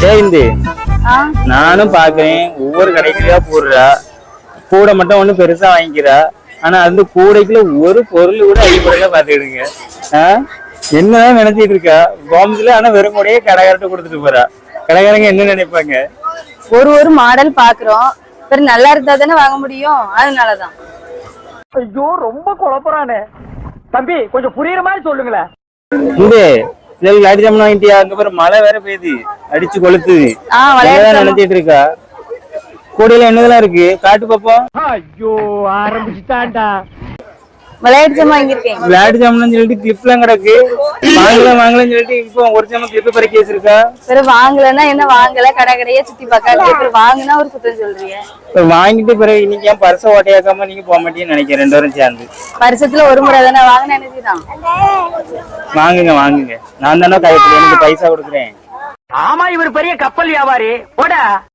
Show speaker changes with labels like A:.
A: சேர்ந்து நானும் பாக்குறேன் ஒவ்வொரு கடைக்குள்ளயா போடுறா. கூட மட்டும் ஒண்ணு பெருசா வாங்கிக்கிறா. ஆனா அந்த கூடைக்குள்ள ஒரு பொருள் கூட அடிப்படையில பாத்துக்கிடுங்க. என்னதான் நினைச்சிட்டு இருக்கா கோமத்துல. ஆனா வெறும் கூடையே கடைக்காரட்ட கொடுத்துட்டு போறா. கடைக்காரங்க என்ன நினைப்பாங்க?
B: ஒரு மாடல் பாக்குறோம், சரி நல்லா இருந்தா தானே வாங்க முடியும், அதனாலதான்.
C: ஐயோ ரொம்ப குழப்பறானே தம்பி, கொஞ்சம் புரியுற மாதிரி சொல்லுங்களேன்.
A: இந்த லாட்டி ஜாமன் வாங்கிட்டியா? அங்க பாரு மழை வேற பெய்யுது, அடிச்சு கொளுத்துது. நினைச்சிட்டு இருக்கா. கூடையில என்னதெல்லாம் இருக்கு காட்டு பாப்போம்.
C: ஐயோ ஆரம்பிச்சுட்டான்டா.
B: விளையாட்டு ஜாமான் வாங்கியிருக்கேன்.
A: விளையாட்டு ஜாமன் சொல்லிட்டு கிளிப் எல்லாம் கிடக்கு. வாங்கலாம் சொல்லிட்டு இப்போ ஒரு ஜாமன் கிளிப் பறக்கி வச்சிருக்கா.
B: சரி வாங்கலன்னா என்ன, வாங்கல கடை கடையே சுத்தி பார்க்க, வாங்கினா ஒரு குத்தம் சொல்றீங்க.
A: வாங்கிட்டு பிறகு இன்னைக்கு ஏன் பரிசை ஓட்டையாக்காம நீங்க போக மாட்டீங்கன்னு நினைக்கிறேன். 2 பேரும் சேர்ந்து
B: வருஷத்துல ஒரு முறை தானே வாங்கின நினைச்சுதான்.
A: வாங்குங்க. நான் தானே கைப்பற்றி எனக்கு பைசா கொடுக்குறேன்.
C: ஆமா, இவர் பெரிய கப்பல் வியாபாரி போட.